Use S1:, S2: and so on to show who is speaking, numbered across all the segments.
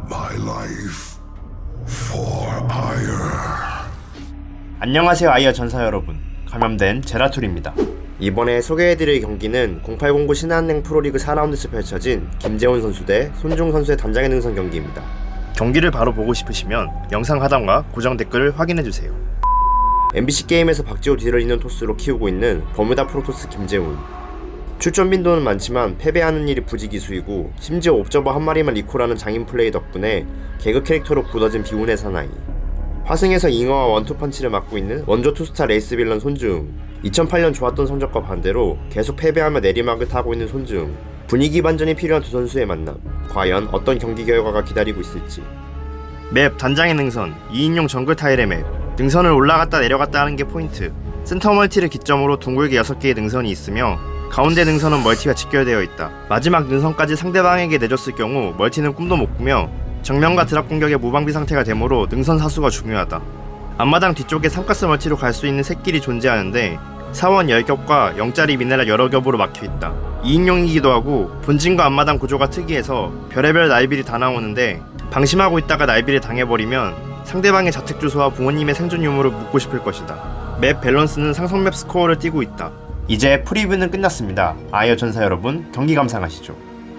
S1: my life for Ire.
S2: 안녕하세요 아이어 전사 여러분, 감염된 제라툴입니다. 이번에 소개해드릴 경기는 0809 신한은행 프로리그 4라운드에서 펼쳐진 김재훈 선수 대 손중 선수의 단장의 능선 경기입니다. 경기를 바로 보고 싶으시면 영상 하단과 고정 댓글을 확인해주세요. MBC 게임에서 박지호 뒤를 잇는 토스로 키우고 있는 버뮤다 프로토스 김재훈. 출전 빈도는 많지만 패배하는 일이 부지기수이고 심지어 옵저버 한 마리만 리콜하는 장인 플레이 덕분에 개그 캐릭터로 굳어진 비운의 사나이. 화승에서 잉어와 원투펀치를 맡고 있는 원조 투스타 레이스 빌런 손중. 2008년 좋았던 성적과 반대로 계속 패배하며 내리막을 타고 있는 손중. 분위기 반전이 필요한 두 선수의 만남. 과연 어떤 경기 결과가 기다리고 있을지. 맵 단장의 능선 2인용 정글 타일의 맵. 능선을 올라갔다 내려갔다 하는 게 포인트. 센터 멀티를 기점으로 둥글게 6개의 능선이 있으며 가운데 능선은 멀티가 직결되어 있다. 마지막 능선까지 상대방에게 내줬을 경우 멀티는 꿈도 못 꾸며 정면과 드랍 공격의 무방비 상태가 되므로 능선 사수가 중요하다. 앞마당 뒤쪽에 삼가스 멀티로 갈 수 있는 샛길이 존재하는데 사원 10겹과 0짜리 미네랄 여러 겹으로 막혀있다. 2인용이기도 하고 본진과 앞마당 구조가 특이해서 별의별 날빌이 다 나오는데 방심하고 있다가 날빌을 당해버리면 상대방의 자택 주소와 부모님의 생존 유무를 묻고 싶을 것이다. 맵 밸런스는 상성맵 스코어를 띄고 있다. 이제 프리뷰는 끝났습니다. 아이어 전사 여러분, 경기 감상하시죠.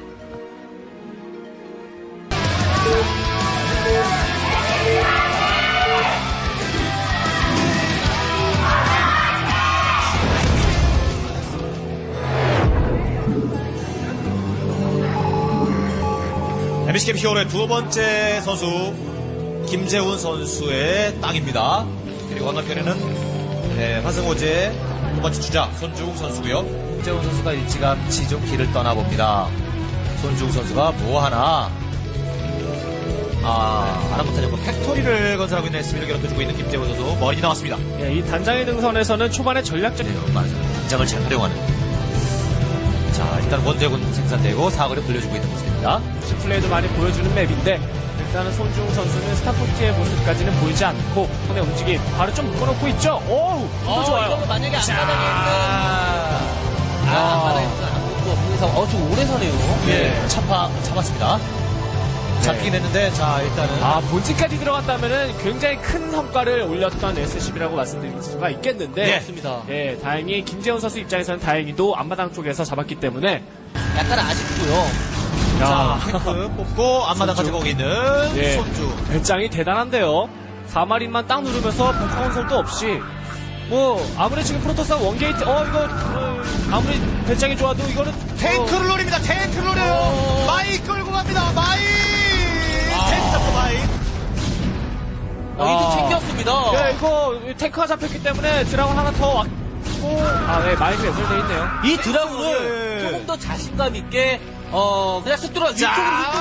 S3: MBC 게임 히어로의 두 번째 선수 김재훈 선수의 땅입니다. 그리고 건너편에는 화승호제 두 번째 주자 손주웅 선수고요. 김재훈 선수가 일찌감치 좀 길을 떠나봅니다. 손주웅 선수가 뭐하나 아랑부터 팩토리를 건설하고 있는 SB를 괴롭혀주고 있는 김재훈 선수 머리 나왔습니다.
S4: 예, 이 단장의 능선에서는 초반에 전략적
S3: 맞아요. 단장을 잘 활용하는. 자, 일단 원대군 생산되고 사거리 돌려주고 있는 모습입니다.
S4: 플레이도 많이 보여주는 맵인데 일단은 손주웅 선수는 스타포트의 모습까지는 보이지 않고 손의 움직임 바로 좀 묶어놓고 있죠. 오우, 또 좋아요.
S5: 이거 만약에 앞바닥에는 안 붙고 그래서 좀 오래 서네요.
S4: 예.
S3: 잡았습니다. 잡히긴 했는데 자 일단은
S4: 본진까지 들어갔다면은 굉장히 큰 성과를 올렸던 SCB라고 말씀드릴 수가 있겠는데
S3: 예.
S5: 맞습니다.
S4: 예, 다행히 김재훈 선수 입장에서는 다행히도 앞마당 쪽에서 잡았기 때문에
S5: 약간 아쉽고요.
S3: 자 탱크 뽑고 앞마당
S4: 손주.
S3: 가져가고 있는
S4: 예.
S3: 손주.
S4: 배짱이 대단한데요. 4마린만 딱 누르면서 벙커 건설도 없이 뭐 아무리 지금 프로토스가 원게이트 아무리 배짱이 좋아도 이거는
S3: 탱크를 노립니다. 탱크를 노려요. 마이 끌고 갑니다. 마이. 탱크 잡고 마이.
S5: 이도 챙겼습니다.
S4: 예, 이거 탱크가 잡혔기 때문에 드라곤 하나 더 왔고 네, 마이크 연설되어 있네요.
S5: 이 드라군을
S3: 예.
S5: 조금 더 자신감 있게 그냥 쑥 들어와
S3: 자.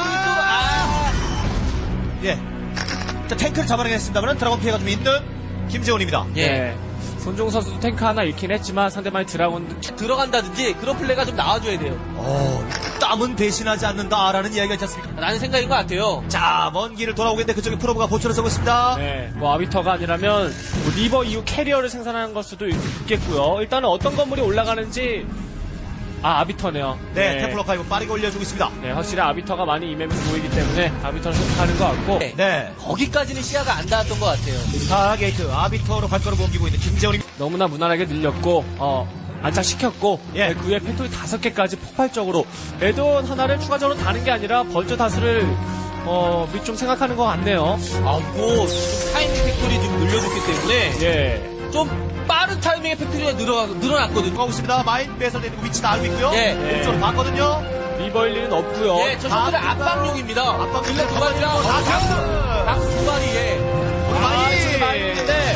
S5: 위쪽으로
S3: 예. 자 탱크를 잡아내겠습니다만 드라곤 피해가 좀 있는 김재훈입니다.
S5: 예.
S4: 손종 선수도 탱크 하나 잃긴 했지만 상대방의 드라곤
S5: 들어간다든지 그런 플레이가 좀 나와줘야 돼요.
S3: 땀은 배신하지 않는다라는 이야기가 있지 않습니까?
S5: 라는 생각인 것 같아요.
S3: 자, 먼 길을 돌아오겠는데 그쪽에 프로브가 보초를 서고 있습니다.
S4: 네, 뭐 아비터가 아니라면 뭐 리버 이후 캐리어를 생산하는 걸 수도 있겠고요. 일단은 어떤 건물이 올라가는지 아비터네요.
S3: 네, 템플러 파이브 빠르게 올려주고 있습니다.
S4: 네, 확실히 아비터가 많이 이맵에서 보이기 때문에 아비터를 선택하는 것 같고
S5: 네.
S3: 네.
S5: 거기까지는 시야가 안 닿았던 것 같아요.
S3: 4게이트 아비터로 발걸음 옮기고 있는 김재훈입니다.
S4: 너무나 무난하게 늘렸고 안착시켰고
S3: 예.
S4: 그 후에 팩토리 5개까지 폭발적으로 에드온 하나를 추가적으로 다는 게 아니라 벌써 다수를 좀 생각하는 것 같네요.
S5: 뭐 타이밍 팩토리 좀 늘려줬기 때문에
S4: 예.
S5: 좀 빠른 타이밍의 팩토리가 늘어났거든요.
S3: 가고 있습니다. 마인 배설되는 위치도 알고 있고요.
S5: 예.
S3: 왼쪽으로 봤거든요.
S4: 리버 일리는 없고요.
S5: 예, 저 정도는 압박용입니다.
S3: 압박용.
S5: 근데 두 마리랑 박수 두 마리에
S4: 지금 마인인데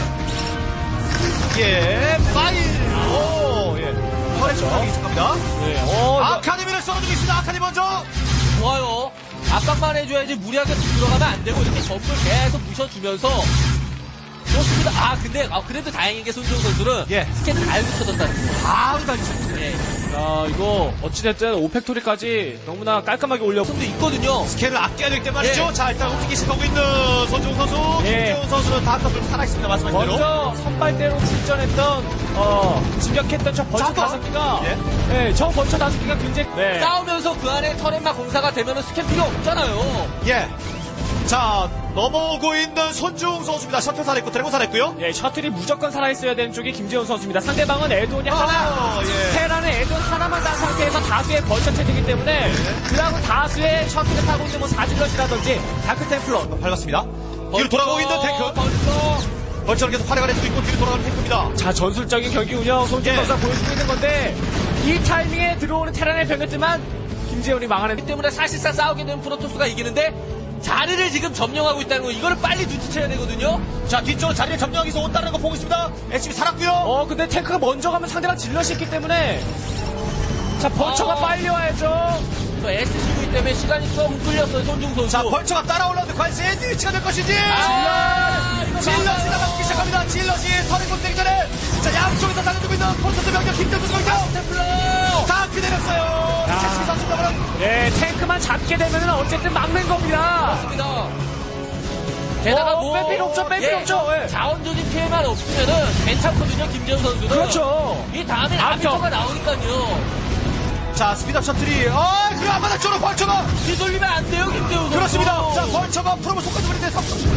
S3: 예, 마인. 오, 예. 혈액 정상이 시작합니다.
S4: 네,
S3: 아카데미를 썰어주고 있습니다. 아카데미 먼저.
S5: 좋아요. 압박만 해줘야지 무리하게 들어가면 안 되고 이렇게 점을 계속 부셔주면서 좋습니다. 근데 그래도 다행인 게 손정 선수는
S3: 예.
S5: 스캔을 잘 붙여줬다는 거.
S3: 바로 달리죠.
S5: 예.
S4: 야, 이거 어찌됐든 5팩토리까지 너무나 깔끔하게 올렸고
S5: 좀도 있거든요.
S3: 스캔을 아껴야 되기 때문에 말이죠.
S5: 예.
S3: 자, 일단 움직이기 시작하고 있는 손정우 선수.
S4: 예.
S3: 김재훈 선수는 다크블 살아있습니다. 말씀하신 대로.
S4: 먼저 선발대로 출전했던 진격했던 저 벌처
S3: 잠깐.
S4: 5개가
S3: 예.
S4: 저 벌처 5개가 굉장히
S5: 싸우면서 그 안에 터렛마 공사가 되면 스캔 필요 없잖아요.
S3: 예. 자, 넘어오고 있는 손중 선수입니다. 셔틀 살했고 드래곤 살했고요.
S4: 예, 셔틀이 무조건 살아있어야 되는 쪽이 김재훈 선수입니다. 상대방은 에드온이 하나,
S3: 예.
S4: 테라는 에드온 하나만 단 상태에서 다수의 벌처 체제이기 때문에 그하고 다수의 셔틀을 타고 있는 뭐 사질럿이라든지 다크템플러
S3: 밟았습니다. 뒤로 돌아가고 있는 탱크. 벌처를 계속 활약을 해주고 있고 뒤로 돌아가는 탱크입니다.
S4: 자, 전술적인 경기 운영 손재훈
S3: 예.
S4: 선수가 보여주고 있는 건데 이 타이밍에 들어오는 테란의 병력지만 김재훈이 막아내기
S5: 이 때문에 사실상 싸우게 되면 프로토스가 이기는데 자리를 지금 점령하고 있다는 거 이거를 빨리 눈치채야 되거든요.
S3: 자, 뒤쪽으로 자리를 점령하기 위해서 온다는 거 보고 있습니다. SCB 살았고요.
S4: 근데 탱크가 먼저 가면 상대방 질럿이 있기 때문에 자, 벌처가 빨리 와야죠.
S5: 또 SCV 때문에 시간이 조금 끌렸어요, 손중 선수.
S3: 자, 벌처가 따라올라오는데 과연 샌드위치가 될 것인지. 질럿이 나가기 시작합니다. 질럿이 서리 곳되기 전에 자, 양쪽에서 달려주고 있는 콘서트 병력 김정수 선수. 다 기다렸어요. SCB 선수가
S4: 예, 탱크만 잡게 되면 어쨌든 막는 겁니다.
S5: 맞습니다. 게다가
S4: 뺄 필요 없죠, 뺄 필요 없죠. 예.
S5: 자원적인 피해만 없으면은 괜찮거든요, 김재훈 선수는.
S4: 그렇죠.
S5: 이 다음에
S4: 앞쪽.
S5: 아비터가 나오니까요.
S3: 자, 스피드업 셔틀이 그래 앞바닥 쪽으로 벌처가
S5: 뒤돌리면 안 돼요, 김재훈 선수.
S3: 그렇습니다. 자, 벌처가 프로모 속까지 버리는데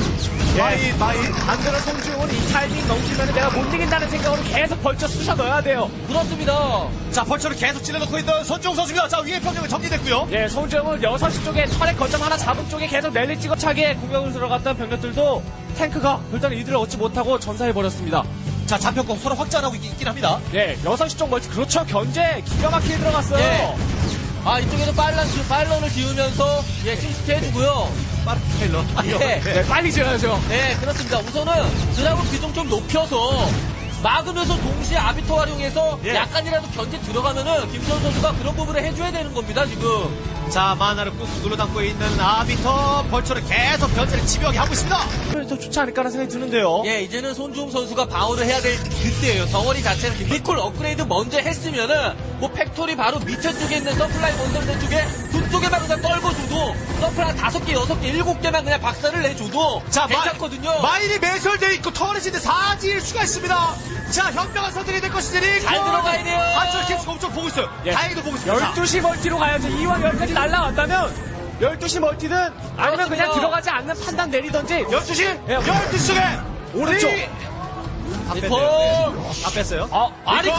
S3: 마인
S4: 안 그런 송중은 이 타이밍 넘기면 내가 못 이긴다는 생각으로 계속 벌쳐 쑤셔 넣어야 돼요.
S5: 그렇습니다.
S3: 자, 벌처를 계속 찔러놓고 있는 손종 선수입니다. 자, 위에 병력은 정리됐고요.
S4: 예, 송중은 6시 쪽에 철의 거점 하나 잡은 쪽에 계속 랠리 찍어차게 공격을 들어갔던 병력들도 탱크가 별다른 이득을 얻지 못하고 전사해버렸습니다.
S3: 자, 잡혔고 서로 확장하고 있긴 합니다.
S4: 예, 6시 쪽 멀티, 그렇죠. 견제 기가 막히게 들어갔어요.
S5: 예. 이쪽에도 빨런을 지으면서, 시스트 해주고요.
S3: 빠른 테일러.
S5: 예.
S4: 네, 빨리 지어야죠.
S5: 네, 그렇습니다. 우선은 드라군 비중 좀 높여서 막으면서 동시에 아비터 활용해서
S3: 예.
S5: 약간이라도 견제 들어가면은 김선 선수가 그런 부분을 해줘야 되는 겁니다, 지금.
S3: 자, 만화를 꾹꾹 눌러 담고 있는 아비터 벌처를 계속 견제를 집요하게 하고 있습니다.
S4: 더 좋지 않을까라는 생각이 드는데요.
S5: 예, 이제는 손주웅 선수가 방어를 해야 될 그때예요. 덩어리 자체는 리콜 업그레이드 먼저 했으면은 뭐 팩토리 바로 밑에 쪽에 있는 서플라이 건설대 쪽에 두 쪽에만 그냥 떨궈줘도 서플라이 5개, 6개, 7개만 그냥 박살을 내줘도 괜찮거든요.
S3: 마인이 매설되어 있고 터렛인데 사지일 수가 있습니다. 자, 현명한 선택이 될 것이니
S5: 잘 들어가야 돼요.
S3: 한줄 계속 엄청 보고 있어요.
S4: 예.
S3: 다행히도 보고 있습니다.
S4: 12시 멀티로 가야죠. 이왕 여기까지 날라왔다면 12시 멀티든 아니면 그냥
S5: 그렇습니다.
S4: 들어가지 않는 판단 내리던지
S3: 12시?
S4: 예.
S3: 12시 쪽에
S4: 오른쪽.
S5: 리콜.
S3: 다 뺐어요.
S5: 리콜.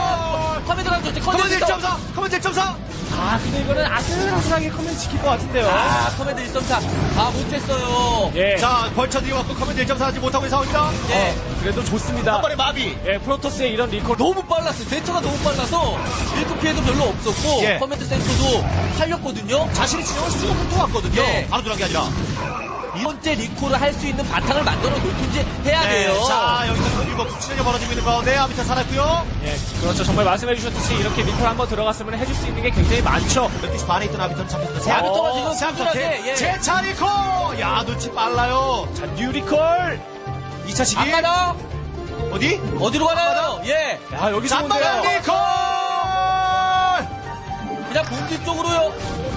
S5: 커맨드 강조지,
S3: 커맨드
S5: 커맨드
S3: 1.4! 커맨드 1.4!
S4: 근데 이거는 아슬아슬하게 커맨드 지킬 것 같은데요.
S5: 커맨드 1.4. 못했어요.
S4: 예.
S3: 자, 벌처들이 왔고 커맨드 1.4 하지 못하고 있는 상황입니다.
S5: 예.
S4: 그래도 좋습니다.
S3: 한 번에 마비.
S4: 예, 프로토스의 이런 리콜.
S5: 너무 빨랐어요. 대처가 너무 빨라서 1급 피해도 별로 없었고
S3: 예.
S5: 커맨드 센터도 살렸거든요.
S3: 자신이 진영을 수고 들어왔거든요.
S5: 예.
S3: 바로 들어간 게 아니라.
S5: 이 번째 리콜을 할 수 있는 바탕을 만들어 놓든지 해야 돼요.
S3: 자, 여기서 손유법 수치전이 벌어지고 있는 가운데 아비타 살았고요.
S4: 예, 그렇죠. 정말 말씀해 주셨듯이 이렇게 리콜 한번 들어갔으면 해줄 수 있는 게 굉장히 많죠.
S3: 12시 반에 있던 아비타는 잡혔습니다.
S5: 아비터가 지금
S3: 자,
S5: 든든하게, 예.
S3: 제차 리콜! 야, 눈치 빨라요.
S4: 자, 뉴 리콜.
S3: 2차 시기.
S5: 앞마다
S3: 어디?
S5: 어디로 가나요? 예,
S4: 야, 여기서
S3: 잠바랑
S4: 본데요.
S3: 리콜!
S5: 그냥 본진 쪽으로요.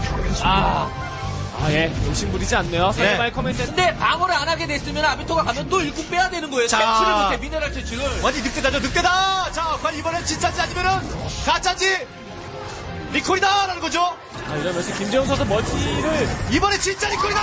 S4: 예, 욕심 부리지 않네요. 상대방의 커맨드.
S5: 근데 방어를 안 하게 됐으면 아비터가 가면 또 일꾼 빼야 되는 거예요.
S3: 자.
S5: 채취를 못해 미네랄 채취를.
S3: 완전 늑대다죠, 늑대다! 자, 과연 이번엔 진짜인지 아니면은 가짜인지 리콜이다라는 거죠.
S4: 이러면서 김재훈 선수 멀티를.
S3: 이번에 진짜 리콜이다!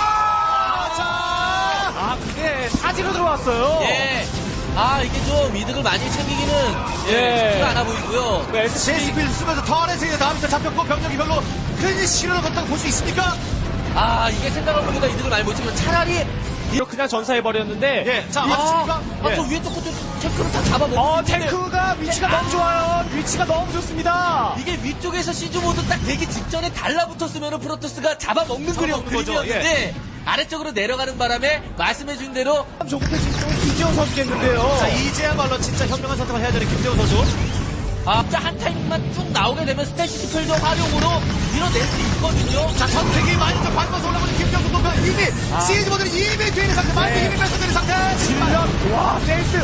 S3: 자!
S4: 근데 사지로 들어왔어요.
S5: 예. 이게 좀 이득을 많이 챙기기는
S4: 예.
S5: 쉽지가 않아 보이고요.
S3: 제스필 쓰면서 터렛에 다음부터 잡혔고 병력이 별로 큰 실현을 걷다고 볼 수 있습니까?
S5: 이게 생각한 것보다 이득을 많이 못 챙기면 차라리
S4: 이거 그냥 전사해버렸는데.
S3: 예, 자, 맞습니까?
S5: 저 위에 또 것도 체크를 다 잡아먹고
S4: 탱크가 위치가 너무 좋아요. 위치가 너무 좋습니다.
S5: 이게 위쪽에서 시즈모드 딱 되기 직전에 달라붙었으면 프로토스가 잡아먹는
S3: 잡아먹는 거죠.
S5: 그림이었는데 아래쪽으로 내려가는 바람에 말씀해준 대로
S4: 조급해진 쪽은 김재훈 선수겠는데요.
S3: 자, 이제야말로 진짜 현명한 선택을 해야 되는 김재훈 선수.
S5: 진짜 한 타임만 쭉 나오게 되면 스태시 스펠저 활용으로 밀어낼 수 있거든요.
S3: 자, 선택이 많이 좀 밟아서 올라오는 김재훈 선수가 이미 시즈 모드는 이미 되어 있는 상태, 많이 힘이 뺏어되는 상태.
S4: 질럿, 와, 센스.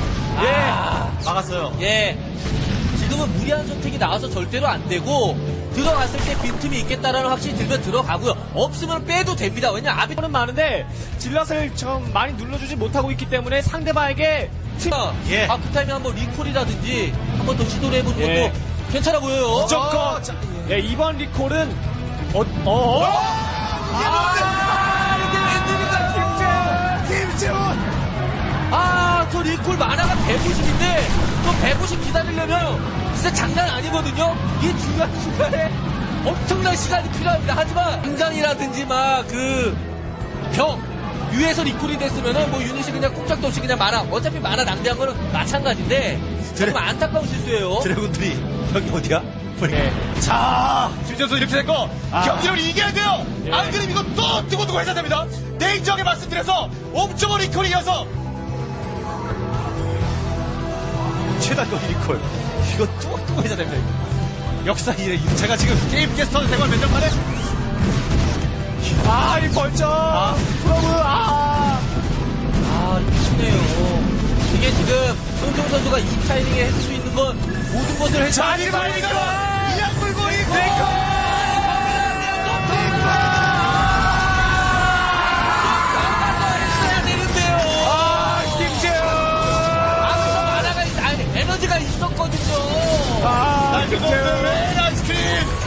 S3: 막았어요.
S5: 예. 지금은 무리한 선택이 나와서 절대로 안 되고 들어갔을 때 빈틈이 있겠다라는 확신이 들면 들어가고요. 없으면 빼도 됩니다. 왜냐면
S4: 아비터는 많은데 질럿을 좀 많이 눌러주지 못하고 있기 때문에 상대방에게
S3: 예.
S5: 그 타임에 한번 리콜이라든지 한번 더 시도를 해보는
S4: 예.
S5: 것도 괜찮아 보여요.
S4: 무조건. 예, 이번 리콜은
S5: 이게 웬일입니까? 190인데 또 150 기다리려면 진짜 장난 아니거든요. 이 중간중간에 엄청난 시간이 필요합니다. 하지만 등장이라든지 막 위에서 리콜이 됐으면은 뭐 유닛이 그냥 꼼짝도 없이 그냥 어차피 만화 낭비한 거는 마찬가지인데 정말 안타까운 실수예요.
S3: 드래곤들이 여기 어디야?
S4: 예.
S3: 자, 김재훈 선수 이렇게 된 거 경기를 이겨야 돼요.
S4: 예.
S3: 안 그러면 이거 또 두고두고 해야 됩니다. 냉정하게 말씀드려서 옴쪽을 리콜이 이어서 최단거 리콜 이거 뚜껑 해야 됩니다. 역사 이래 제가 지금 게임 캐스터 생활 몇 년 만에
S4: 이 벌점.
S5: 미치네요. 이게 지금 손종 선수가 이 타이밍에 할 수 있는 건 모든 것을 해서
S3: 자 리콜 이양 물고 리콜
S5: 해야 되는데요.
S3: 김재훈
S5: 앞서 만화가 에너지가 있었거든요.
S3: 김재훈 아이스크림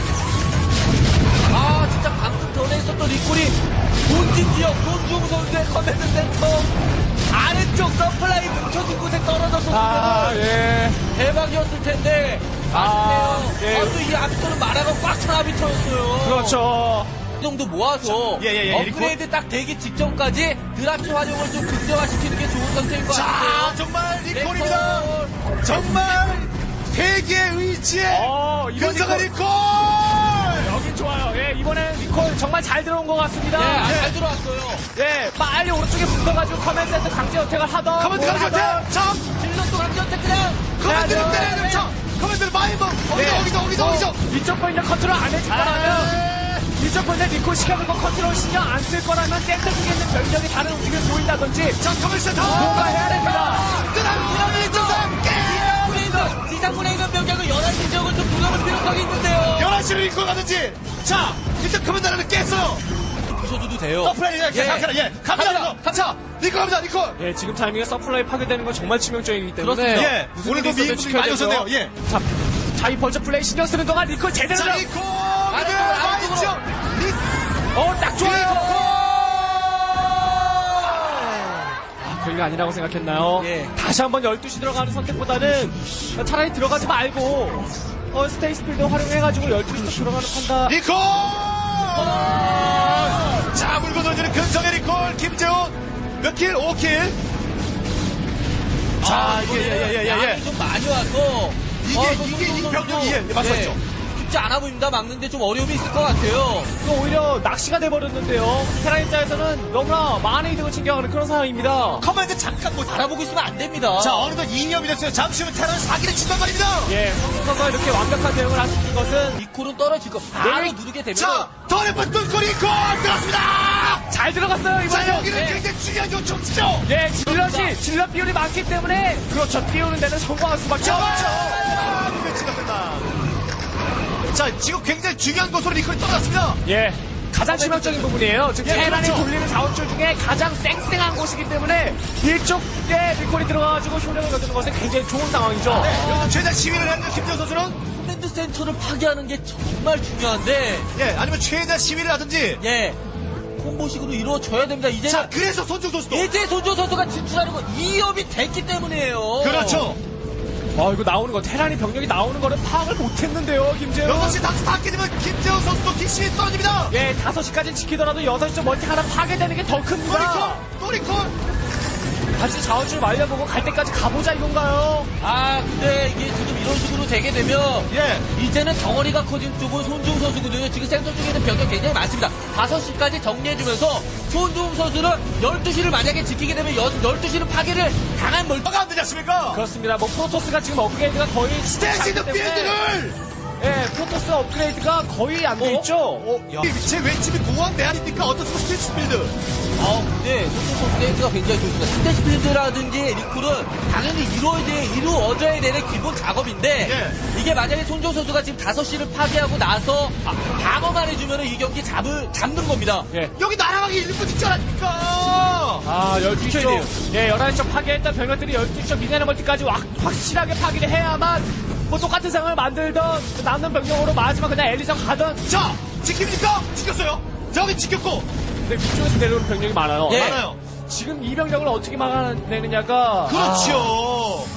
S5: 진짜 방금 전에 있었던 리콜이 본진 지역 손중 선수의 커맨드 센터 아래쪽 서플라이 뭉쳐진 곳에 떨어졌었으면
S4: 예.
S5: 대박이었을 텐데 아쉽네요.
S4: 예.
S5: 또 이 앞서는 만화가 꽉 찬 아비터였어요.
S4: 그렇죠.
S5: 이 정도 모아서 업그레이드 딱 되기 직전까지 드랍시 활용을 좀 극대화시키는 게 좋은 선택인 것 같아요.
S3: 자 정말 리콜입니다. 정말 대기의 의지에
S4: 이번
S3: 근성의 리콜
S4: 여긴 좋아요. 예, 이번엔 리콜 정말 잘 들어온 것 같습니다.
S5: 잘 들어왔어요.
S4: 예, 빨리 오른쪽에 붙어가지고 커맨드 센터 강제 어택을 하던.
S3: 커맨드
S4: 뭘
S3: 강제
S4: 하던.
S3: 자
S5: 질럿도 강제한테 그냥
S3: 커맨드를
S4: 해야죠.
S3: 때려야 됩니다. 커맨드를 많이 먹 어기죠
S4: 이쪽 포인트 컨트롤 안 해줄 거라면 이쪽 포인트 리콜 시켜놓고 컨트롤 신경 안 쓸 거라면 센터 쪽에 있는 병력이 다른 움직임을 보인다든지
S3: 자 커맨드 센터
S4: 뭔가 해야 됩니다.
S3: 그다음 이정상
S5: 지상군에 있는 병력을 11시 지역을 좀 돌아볼 필요성이 있는데요.
S3: 11시를 리콜 가든지 자 일단 커맨드를 깼어요.
S5: 부셔줘도 돼요.
S3: 서플라이 갑니다. 자 리콜 합니다 리콜
S4: 예, 지금 타이밍에 서플라이 파괴되는 건 정말 치명적이기 때문에
S5: 그렇습니다.
S4: 무슨
S3: 오늘도
S4: 일이 있어도
S3: 미인분들이
S4: 지켜야
S3: 많이
S4: 되죠.
S3: 오셨네요. 예.
S4: 자, 이 벌써 플레이 신경 쓰는 동안 리콜 제대로
S3: 자
S4: 들어.
S3: 리콜
S5: 아래쪽으로.
S4: 딱 좋아요. 별게 아니라고 생각했나요?
S5: 예.
S4: 다시 한번 12시 들어가는 선택보다는 차라리 들어가지 말고 스테이스 필드 활용해가지고 12시로 들어가는 판단.
S3: 리콜 자 물고 던지는 근성의 리콜 김재훈 몇 킬? 5킬 자 예.
S5: 양이 좀 많이 와서
S3: 이게 이 병력이 맞췄죠.
S5: 쉽지 않아 보입니다. 막는데 좀 어려움이 있을 것 같아요.
S4: 또 오히려 낚시가 돼버렸는데요. 테라 입장에서는 너무나 많은 이득을 챙겨가는 그런 상황입니다.
S3: 커맨드 잠깐 못
S5: 알아보고 있으면 안 됩니다.
S3: 자 어느덧 2년이 됐어요. 잠시 후면 테러는 사기를 친단 말입니다.
S4: 예, 선수가 이렇게 완벽한 대응을 할 수 있는 것은
S5: 리콜은 떨어질 거 바로 누르게 되면
S3: 자 더 예쁜 뚫고 리콜 들었습니다.
S4: 잘 들어갔어요, 이번에.
S3: 자 여기는 굉장히 중요한 요청지죠.
S4: 예, 질럿 비율이 많기 때문에 그렇죠. 띄우는 데는 성공할 수밖에 없죠.
S3: 매치가 된다. 자 지금 굉장히 중요한 곳으로 리콜이 떠났습니다.
S4: 예. 가장 치명적인 부분이에요. 지금
S3: 예,
S4: 테란이
S3: 그렇죠.
S4: 돌리는 자원줄 중에 가장 쌩쌩한 곳이기 때문에 이쪽에 리콜이 들어가가지고 효력을 거두는 것은 굉장히 좋은 상황이죠.
S3: 네, 여기서 최대 시위를 하는 김재호 선수는
S5: 커맨드 센터를 파괴하는 게 정말 중요한데
S3: 예 아니면 최대 시위를 하든지
S5: 예 콤보식으로 이루어져야 됩니다. 이제는
S3: 자 그래서 손중 선수도
S5: 이제 손조 선수가 진출하는 건 2업이 됐기 때문이에요.
S3: 그렇죠.
S4: 이거 나오는 거 테란이 병력이 나오는 거를 파악을 못했는데요, 김재훈.
S3: 6시 다 닿게 되면 김재호 선수도 킥심이 떨어집니다.
S4: 예, 5시까지 지키더라도 6시쯤 멀티 하나 파괴되는 게 더 큽니다.
S3: 또 리콜
S4: 다시 자원줄 말려보고 갈 때까지 가보자 이건가요?
S5: 근데 이게 지금 이런 식으로 되게 되면
S3: 예.
S5: 이제는 덩어리가 커진 쪽은 손중 선수거든요. 지금 센터 쪽에 있는 병력 굉장히 많습니다. 5시까지 정리해주면서 손중 선수는 12시를 만약에 지키게 되면 12시는 파괴를 당한
S3: 뭐가 안 되지 않습니까?
S4: 그렇습니다. 뭐 프로토스가 지금 업그레이드가 거의
S3: 스테이시드
S4: 때문에
S3: 필드를
S4: 예, 프로토스 업그레이드가 거의 안 돼 있죠.
S3: 제 왼집이 공항 내 아닙니까? 어떤 스테이시 필드
S5: 근데 손중 선수 데이트가 굉장히 좋습니다. 스테이스필드라든지 리콜은 당연히 이루어져야 되는 기본 작업인데 이게 만약에 손중 선수가 지금 5시를 파괴하고 나서 방어만 해주면 이 경기 잡는 겁니다.
S4: 예.
S3: 여기 날아가기 1분 직전 아닙니까?
S4: 12시 쪽. 예, 11시 쪽 파괴했던 병력들이 12시 쪽 미네랄 멀티까지 확실하게 파괴를 해야만 뭐 똑같은 상황을 만들던 남는 병력으로 마지막 그냥 엘리전 가던.
S3: 자 지킵니까? 지켰어요. 여기 지켰고
S4: 근데 위쪽에서 내려오는 병력이 많아요.
S5: 예.
S3: 많아요.
S4: 지금 이 병력을 어떻게 막아내느냐가.
S3: 그렇죠.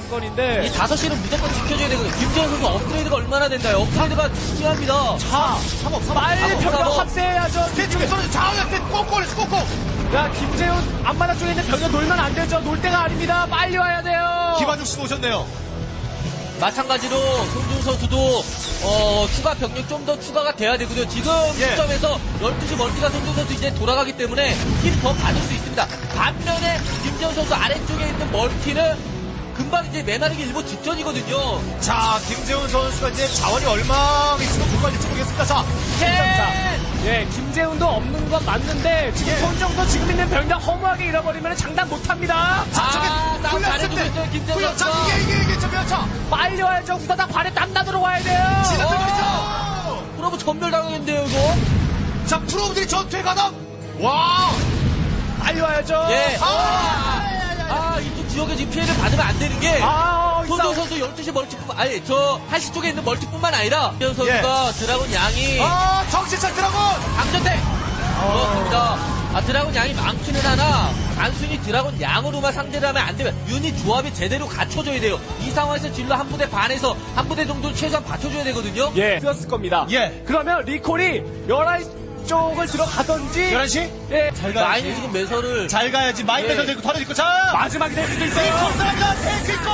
S4: 관건인데.
S5: 이 5시는 무조건 지켜줘야 되거든요. 김재현 선수 업그레이드가 얼마나 된다요? 업그레이드가 중요합니다.
S4: 자, 빨리 병력 합세해야죠.
S3: 스테이지 떨어져 자원한테 꽁꽁.
S4: 야, 김재훈 앞마당 쪽에 있는 병력 놀면 안 되죠. 놀 때가 아닙니다. 빨리 와야 돼요.
S3: 김한중 씨 오셨네요.
S5: 마찬가지로 손준 선수도 추가 병력 좀 더 추가가 돼야 되거든요. 지금
S3: 예.
S5: 시점에서 12시 멀티가 손준 선수 이제 돌아가기 때문에 힘 더 받을 수 있습니다. 반면에 김재훈 선수 아래쪽에 있는 멀티는 금방 이제 메마르기 일보 직전이거든요.
S3: 자, 김재훈 선수가 이제 자원이 얼마 있으면 불만일지 모르겠습니다. 자,
S4: 예, 김재훈도 없는 건 맞는데 지금 손정도 지금 있는 병력 허무하게 잃어버리면 장담 못합니다.
S5: 싸움 잘해주고 있어요, 김재훈
S3: 후연, 자,
S5: 선수가.
S3: 이게 자,
S4: 빨리 와야죠. 후다닥 발에 땀 나도록 와야 돼요.
S3: 지나들어가죠.
S5: 그러면 전멸당하겠는데요, 이거?
S3: 자, 프로들이 전투에 가담. 와,
S4: 빨리 와야죠.
S5: 예. 이쪽 지역에 지금 피해를 받으면 안 되는 게. 손정 선수 12시 멀티뿐만, 아니, 저 1시 쪽에 있는 멀티뿐만 아니라, 김재훈 선수가 드라곤 양이.
S3: 정신차 드라곤.
S5: 강전택! 그렇습니다. 드라곤 양이 많기는 하나, 단순히 드라곤 양으로만 상대를 하면 안 되면, 유닛 조합이 제대로 갖춰져야 돼요. 이 상황에서 진로 한 부대 반에서 한 부대 정도는 최소한 받쳐줘야 되거든요.
S4: 예, 쓰였을 겁니다.
S3: 예.
S4: 그러면 리콜이 11시 쪽을 들어가던지.
S3: 11시?
S4: 예.
S5: 라인이 지금 매설을.
S3: 잘 가야지. 마인
S5: 예.
S3: 매설 되고 털어질 거. 자,
S4: 마지막이 될 수도 있어요.
S3: 컴사합니다. 테이크고.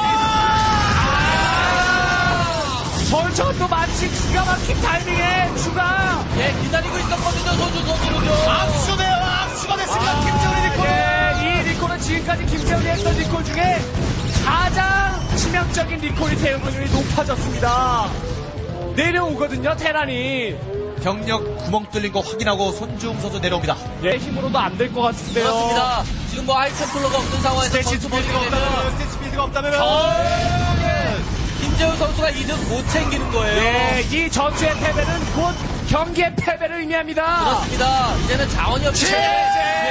S4: 벌처도 마치 기가 막힌 타이밍에 추가.
S5: 예, 기다리고 있었거든요, 손준 선수는요.
S3: 악수네요. 악수가 됐습니다. 김재훈이 리콜.
S4: 예, 이 리콜은 지금까지 김재훈이 했던 리콜 중에 가장 치명적인 리콜이 대응률이 높아졌습니다. 내려오거든요, 테란이.
S3: 병력 구멍 뚫린 거 확인하고 손중 선수 내려옵니다.
S4: 예, 힘으로도 안 될 것 같은데요.
S5: 그렇습니다. 지금 뭐 하이템플러가 없는 상황에서
S3: 스테이지
S5: 선수
S3: 빌드가
S5: 버리게 되면
S3: 없다면, 스테이지 빌드가 없다면.
S5: 김재훈 선수가 이득 못 챙기는 거예요.
S4: 예, 이 전투의 패배는 곧 경기의 패배를 의미합니다.
S5: 그렇습니다. 이제는 자원이 없기 때문에.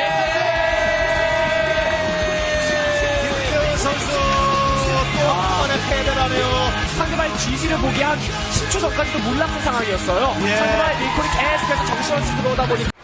S3: 김재훈 선수 또 한 번의 패배를 하네요.
S4: 상대방의 지지를 보기 한 10초 전까지도 몰랐던 상황이었어요.
S3: 예.
S4: 상대방의 리콜이 계속해서 정신없이 들어오다 보니